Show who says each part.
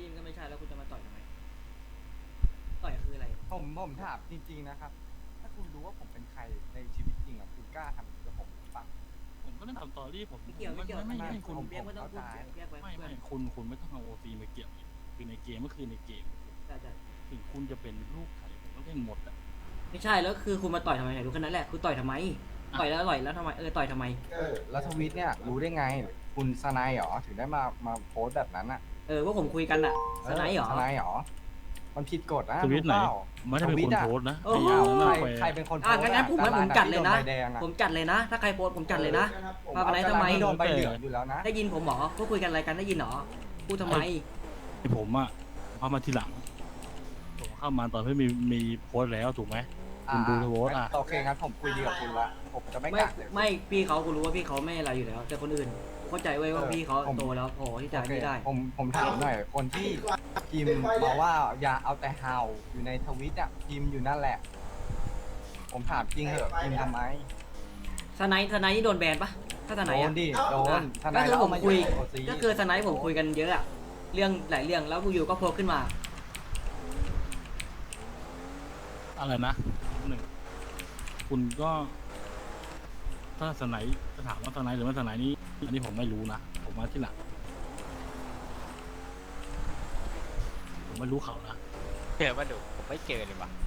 Speaker 1: นี่มันก็ไม่ใช่แล้วคุณจะมาต่อยทำไมต่อยคืออะไร
Speaker 2: ผมถามจริงๆนะครับถ้าคุณรู้ว่าผมเป็นใครในชีวิตจริงอ่ะคุณกล้าทำกับผมหรือเปล่า
Speaker 3: ผมก็ได้ทำตอรี่ผม
Speaker 1: ไม่เกี่ยวไม่เกี่ยว
Speaker 3: ไม่คุณ
Speaker 1: เรียกไม่ต้องพูดแยกไว้
Speaker 3: ไม่คุณไม่ต้องเอาโอซีมาเกี่ยวคือในเกมก็คือในเกม
Speaker 1: ใช่ใช่
Speaker 3: ถึงคุณจะเป็นลูกใครผมก็เล่นหมดอ่ะ
Speaker 1: ไม่ใช่แล้วคือคุณมาต่อยทำไมไหนดูแค่นั้นแหละคุณต่อยทำไมต่อยแล้วทำไมต่อยทำไม
Speaker 2: แล้วทวิตเนี่ยรู้ได้ไงคุณสนายเหรอถึงได้มาโพสต์แบบนั้นอ่ะ
Speaker 1: ว่าผมคุยกันอะสไนด์เหรอ
Speaker 2: สนายเหรอมันผิดกฎนะ
Speaker 3: ทวิตไหน
Speaker 2: รู้เปล่า
Speaker 3: ไม่ได้เป็นคนโพสต์นะ
Speaker 1: โอ้โห
Speaker 2: ใครเป็นคนโพสต์
Speaker 1: งั้นผม
Speaker 2: ดารา
Speaker 1: จัดเลยนะ
Speaker 2: ที่โใบแดงอะ
Speaker 1: ผมจัดเลยนะ ถ้าใครโพสต์ผมจัดเลยนะ
Speaker 2: ผม
Speaker 1: มาอะไรทำไม
Speaker 2: โดนใบเหลืองอยู่แล้วนะ
Speaker 1: ได้ยินผมหมอพวกคุยกันอะไรกันได้ยินเหรอพูดทำไม
Speaker 3: ผมอ่ะเข้ามาทีหลังผมเข้ามาตอนที่มีโพสต์แล้วถูกไหมคุณดูโพสต์อ่ะ
Speaker 2: โอเคงั้นผมคุยดีกับคุณละผมจะไม่
Speaker 1: ไม่
Speaker 2: กัดเลย
Speaker 1: ไม่พี่เขากูรู้ว่าพี่เขาไม่อะไรอยู่แล้ว แต่คนอื่นเข้าใจไว้ว่าพี่เขาโตแล้วพอที่จะ
Speaker 2: โอเค
Speaker 1: ไม่ได้
Speaker 2: ผมถามหน่อยคนที่พิมพ์มาว่าอย่าเอาแต่เห่าอยู่ในทวิตอ่ะพิมพ์อยู่นั่นแหละ ผมถามจริงเหอะพิมพ์ทำไม
Speaker 1: สไนด์นี่โดนแบนปะถ้าสไน
Speaker 2: โด
Speaker 1: ด์
Speaker 2: น
Speaker 1: อะ
Speaker 2: ดิโดนท
Speaker 1: ก็
Speaker 2: นาย
Speaker 1: คือ
Speaker 2: เรา
Speaker 1: ผ
Speaker 2: เอา
Speaker 1: ม
Speaker 2: มา
Speaker 1: คุย
Speaker 2: โอซี
Speaker 1: ก็คือสไนด์ผมคุยกันเยอะอะเรื่องหลายเรื่องแล้วอยู่ก็โผล่ขึ้นมา
Speaker 3: อะไรนะหนึ่งคุณก็ถ้าสไนด์จะถามว่าสไนด์หรือไม่สไนด์นี้อันนี้ผมไม่รู้นะผมมาที่หลังผมไม่รู้เขานะ
Speaker 4: เจอมาดูผมไม่เจอเลยว่ะ